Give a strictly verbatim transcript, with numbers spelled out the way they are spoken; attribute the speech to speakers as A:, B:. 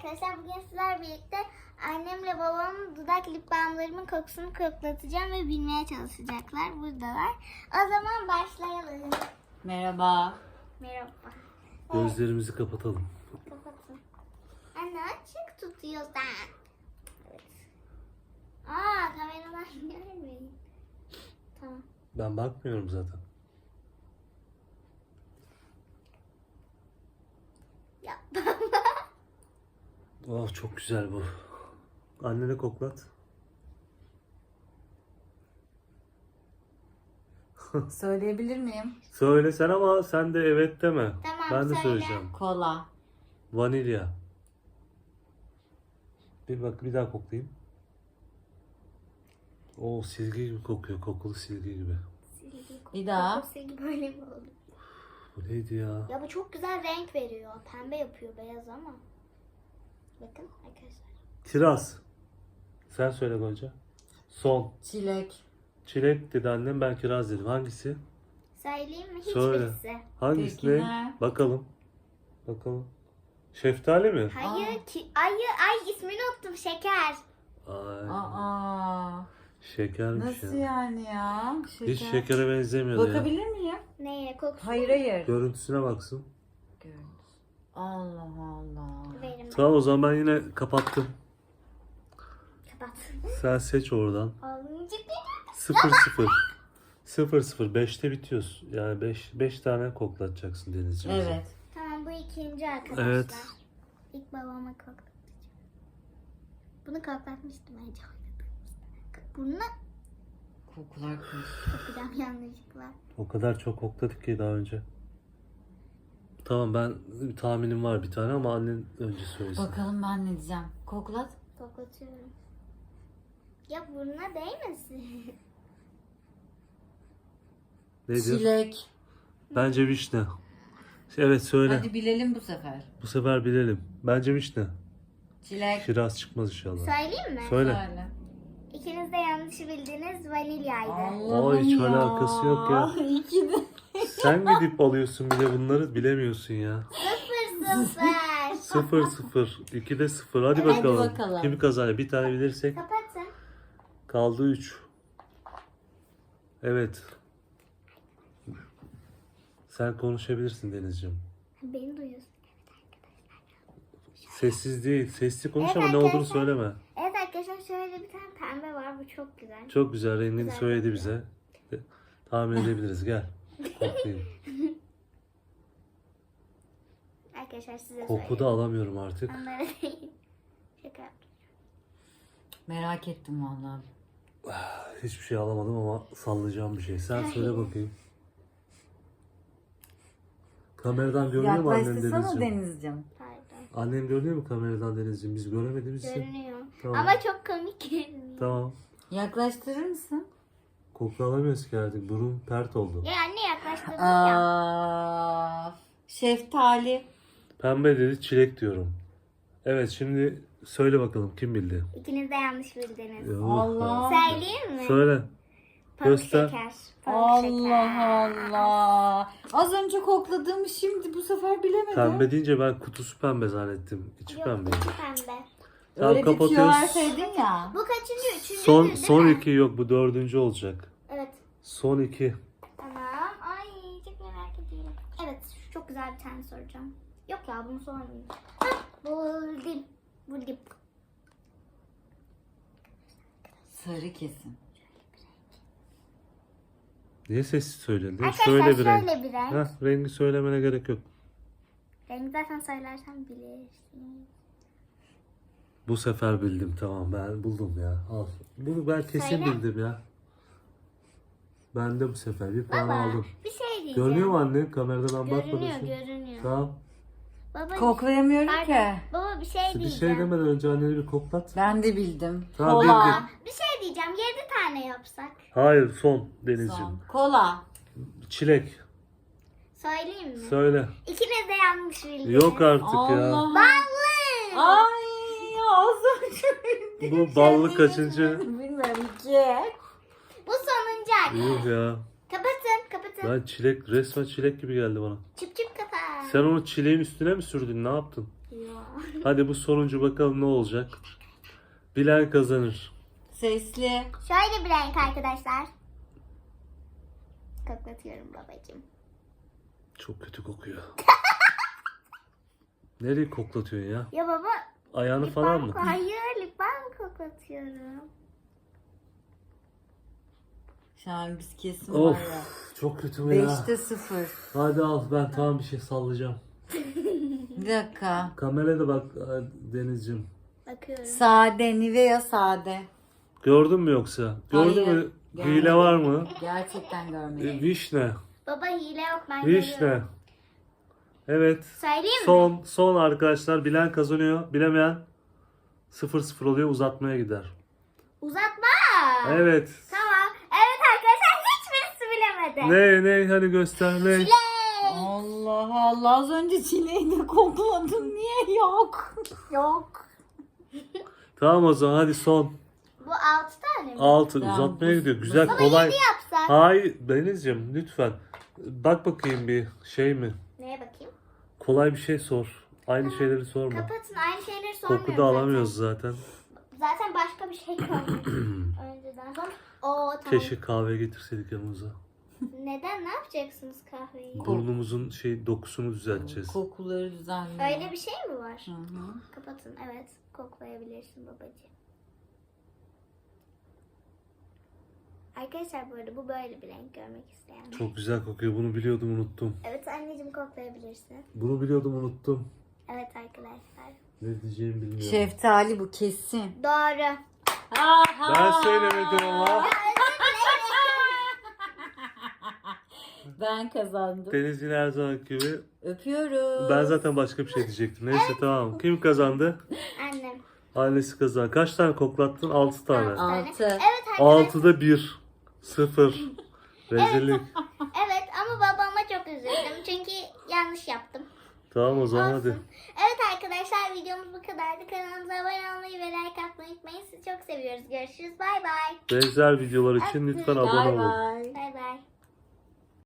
A: arkadaşlar, bugün sizler birlikte annemle babamın dudak lip balmlarımın kokusunu koklatacağım ve bilmeye çalışacaklar. Buradalar. O zaman başlayalım.
B: Merhaba.
A: Merhaba.
C: Gözlerimizi kapatalım.
A: Kapatın. Anne açık tutuyorsan. Evet. Aa, kameraman görmüyor. Tamam.
C: Ben bakmıyorum zaten.
A: Ya.
C: Oh, çok güzel bu. Annene koklat.
B: Söyleyebilir miyim?
C: Söyle sen ama sen de evet deme.
A: Tamam,
C: ben de
A: söyle.
C: söyleyeceğim.
B: Kola.
C: Vanilya. Bir bak, bir daha koklayayım. Oo, silgi gibi kokuyor. Kokulu silgi gibi.
A: Silgi
B: Bir daha.
A: kokusu gibi böyle mi oldu?
C: Bu neydi ya?
A: Ya bu çok güzel renk veriyor. Pembe yapıyor beyaz ama. Bakın arkadaşlar.
C: Kiraz. Sen söyle Gonca. Son.
B: Çilek.
C: Çilek dedi annem, ben kiraz dedim. Hangisi?
A: Söyleyeyim mi?
C: Söyle.
A: Hiçbirisi.
C: Hangisi
B: Teşekkürler.
C: ne? Bakalım. Bakalım. Şeftali mi?
A: Hayır ki. Ay ay ismini unuttum. Şeker.
C: Ay,
B: Aa.
C: şekermiş
B: Nasıl
C: ya.
B: yani ya? Şeker.
C: Hiç şekere benzemiyordu ya.
B: Bakabilir miyim?
A: Neye? Kokusu.
B: Hayır hayır.
C: Görüntüsüne baksın.
B: Görüntüsü. Allah Allah.
A: Verim ben.
C: Tamam, o zaman ben yine kapattım.
A: Kapat.
C: Sen seç oradan.
A: Alınca bir.
C: Sıfır sıfır. Sıfır sıfır. Beşte bitiyoruz. Yani beş, beş tane koklatacaksın Denizciğim.
B: Evet.
A: Tamam, bu ikinci arkadaşlar.
C: Evet.
A: İlk babama koklatacağım. Bunu koklatmıştım önce. Bunu
B: Kokular karıştı.
A: kokacağım yanlışlıkla.
C: O kadar çok kokladık ki daha önce. Tamam, ben bir tahminim var bir tane ama annen önce söylesin.
B: Bakalım ben ne diyeceğim. Koklat.
A: Koklatıyorum. Ya burnuna değmesin.
C: Ne diyor?
B: Çilek.
C: Bence vişne. Evet, söyle.
B: Hadi bilelim bu sefer.
C: Bu sefer bilelim. Bence vişne.
B: Çilek.
C: Kiraz çıkmaz inşallah.
A: Söyleyeyim mi?
C: Söyle.
B: Söyle.
A: İkiniz de yanlış bildiniz, vanilyaydı.
B: Allah'ım
C: hiç
B: ya.
C: alakası yok ya.
B: İki de.
C: Sen gidip alıyorsun bile bunları, bilemiyorsun ya.
A: Sıfır sıfır.
C: Sıfır sıfır. ikide sıfır. Hadi
B: Hadi
C: bakalım.
B: bakalım.
C: Kim kazanıyor? Bir tane bilirsek
A: Kapatın.
C: kaldı üç. Evet. Sen konuşabilirsin Denizciğim.
A: Beni duyuyorsun.
C: Sessiz değil. Sesli konuş
A: Evet
C: ama ne olduğunu
A: arkadaşlar.
C: söyleme.
A: Evet arkadaşlar, şöyle bir tane pembe var. Bu çok güzel.
C: Çok güzel, rengini
A: Güzel
C: söyledi
A: kokuyor.
C: bize. Tahmin edebiliriz. Gel. Koklayayım.
A: Arkadaşlar size
C: Koku da
A: söyleyeyim.
C: alamıyorum artık.
A: Onlara değil. Şaka yaptım.
B: Merak ettim vallahi.
C: Hiçbir şey alamadım ama sallayacağım bir şey. Sen söyle bakayım. Kameradan görünüyor mu annen
B: Yaklaştırsana
C: Denizciğim?
B: Denizciğim.
A: Pardon.
C: Annem görünüyor mu kameradan Denizciğim? Biz göremediğimiz için.
A: Görünüyor.
C: Tamam.
A: Ama çok komik görünüyor.
C: Tamam.
B: Yaklaştırır mısın?
C: Koku alamıyoruz ki artık. Burun pert oldu.
A: Ya anne yaklaştırdım ya.
B: Aa, şeftali.
C: Pembe dedi, çilek diyorum. Evet, şimdi söyle bakalım kim bildi?
A: İkiniz de yanlış bildiniz.
C: Yuh
B: Allah.
C: ya.
A: Söyleyeyim mi?
C: Söyle.
A: Pamuk
C: göster.
A: şeker. Pamuk
B: Allah
A: şeker.
B: Allah. Az önce kokladığımı şimdi bu sefer bilemedim.
C: Pembe deyince ben kutusu pembe zannettim. İçi
A: Yok,
C: pembe.
A: içi pembe.
C: Tamam,
B: Öyle bir tüyo
C: kapatıyoruz.
B: verseydin ya.
A: Bu kaçıncı? Üçüncü
C: Son
A: değil
C: son
A: mi?
C: iki yok, bu dördüncü olacak.
A: Evet.
C: Son iki.
A: Tamam. Ay çok merak ediyorum. Evet, şu çok güzel bir tane soracağım. Yok ya, bunu sormayayım. Hah, buldum. Buldum.
B: Sarı kesin.
C: Niye sessiz söyledin?
A: Arkadaşlar
C: Söyle bir
A: şöyle
C: renk.
A: bir renk.
C: Heh, rengi söylemene gerek yok.
A: Rengi zaten söylersen bilirsin.
C: Bu sefer bildim, tamam, ben buldum ya. Al. Bunu ben kesin
A: Söyle.
C: bildim ya. Ben de bu sefer bir puan
A: Baba
C: aldım.
A: bir şey diyeceğim.
C: Görünüyor mu anne? Kameradan
A: Görünüyor,
C: bakmadın.
A: görünüyor.
C: Tamam.
A: Baba,
B: Koklayamıyorum
A: pardon.
B: ki.
A: Baba bir şey
C: Bir
A: diyeceğim.
C: şey demeden önce anneni bir koklat.
B: Ben de bildim.
C: Tamam,
B: Kola.
C: bildin.
A: Bir şey diyeceğim. Yedi tane yapsak.
C: Hayır, son Denizciğim.
B: Son. Kola.
C: Çilek.
A: Söyleyeyim mi?
C: Söyle.
A: İkiniz de yanlış bildiniz.
C: Yok artık ya.
B: Allah.
A: Ballı.
B: Ay az önce bildim.
C: Bu ballı
B: Sen
C: kaçıncı?
B: bilirsin, Bilmiyorum iki.
A: Bu sonuncu anne.
C: Yuh ya.
A: Kapatın kapatın.
C: Ben çilek, resmen çilek gibi geldi bana.
A: Çıp çıp kapat.
C: Sen onu çileğin üstüne mi sürdün? Ne yaptın?
A: Ya.
C: Hadi bu sonuncu bakalım ne olacak. Bilen kazanır.
B: Sesli.
A: Şöyle bir renk arkadaşlar. Koklatıyorum babacığım.
C: Çok kötü kokuyor. Nereye koklatıyorsun ya?
A: Ya baba.
C: Ayağını
A: lip
C: falan
A: balm-
C: mı?
A: Hayır, lip balm koklatıyorum.
B: Şu an biz kesin
C: Of,
B: var ya.
C: çok kötü bu ya.
B: Beşte sıfır.
C: Hadi al, ben tamam bir şey sallayacağım.
B: Bir dakika.
C: Kameraya da bak Denizciğim.
A: Bakıyorum.
B: Sade, Nivea sade.
C: Gördün mü yoksa? Gördün
B: Hayır,
C: mü?
B: görmedim.
C: Hile var mı?
B: Gerçekten
C: E,
B: görmedim.
C: vişne.
A: Baba hile yok, ben görüyorum.
C: Vişne. Evet.
A: Söyleyeyim mi?
C: Son son arkadaşlar, bilen kazanıyor. Bilemeyen sıfır sıfır oluyor, uzatmaya gider.
A: Uzatma.
C: Evet.
A: Tamam. Evet arkadaşlar, hiçbirisi bilemedi.
C: Ne ne hadi göster ne?
A: Çilek.
B: Allah Allah, az önce çileği de kokladım. Niye yok? Yok.
C: Tamam o zaman hadi son.
A: Bu altı tane mi?
C: altı
B: Tamam,
C: uzatmaya
B: bu-
C: gidiyor.
B: bu-
C: Güzel
A: Baba
C: kolay.
A: yedi yapsak.
C: Hayır Denizciğim lütfen. Bak bakayım bir şey mi?
A: Neye bakayım?
C: Kolay bir şey sor. Aynı şeyleri sorma.
A: Kapatın, aynı şeyleri sormuyorum
C: Koku da alamıyoruz zaten.
A: zaten. Zaten başka bir şey kalmadı. Önceden sonra. Oo tamam.
C: Keşke kahve getirseydik yanımıza.
A: Neden? Ne yapacaksınız kahveyi?
C: Burnumuzun şey dokusunu düzelteceğiz.
B: Kokuları düzenli.
A: Öyle bir şey mi var?
B: Hı hı.
A: Kapatın, evet. Koklayabilirsin babacığım. Arkadaşlar bu arada bu böyle bir renk görmek isteyen.
C: Çok güzel kokuyor. Bunu biliyordum, unuttum.
A: Evet anneciğim, koklayabilirsin.
C: Bunu biliyordum, unuttum.
A: Evet arkadaşlar.
C: Ne diyeceğimi bilmiyorum.
B: Şeftali bu kesin.
A: Doğru.
C: Ben söylemedim ama.
B: Ben kazandım.
C: Deniz yine her zamanki gibi.
B: Öpüyoruz.
C: Ben zaten başka bir şey diyecektim. Neyse tamam. Kim kazandı?
A: Annem.
C: Annesi kazandı. Kaç tane koklattın? altı tane.
B: Altı.
A: Evet arkadaşlar.
C: altıda bir. sıfır. Rezillik.
A: Evet ama babama çok üzüldüm. Çünkü yanlış yaptım.
C: Tamam o zaman hadi.
A: Olsun. Evet arkadaşlar, videomuz bu kadardı. Kanalımıza abone olmayı ve like atmayı unutmayın. Sizi çok seviyoruz. Görüşürüz. Bay bay.
C: Benzer videolar için lütfen abone
B: Bay
C: olun.
B: bay.
A: Bay bay.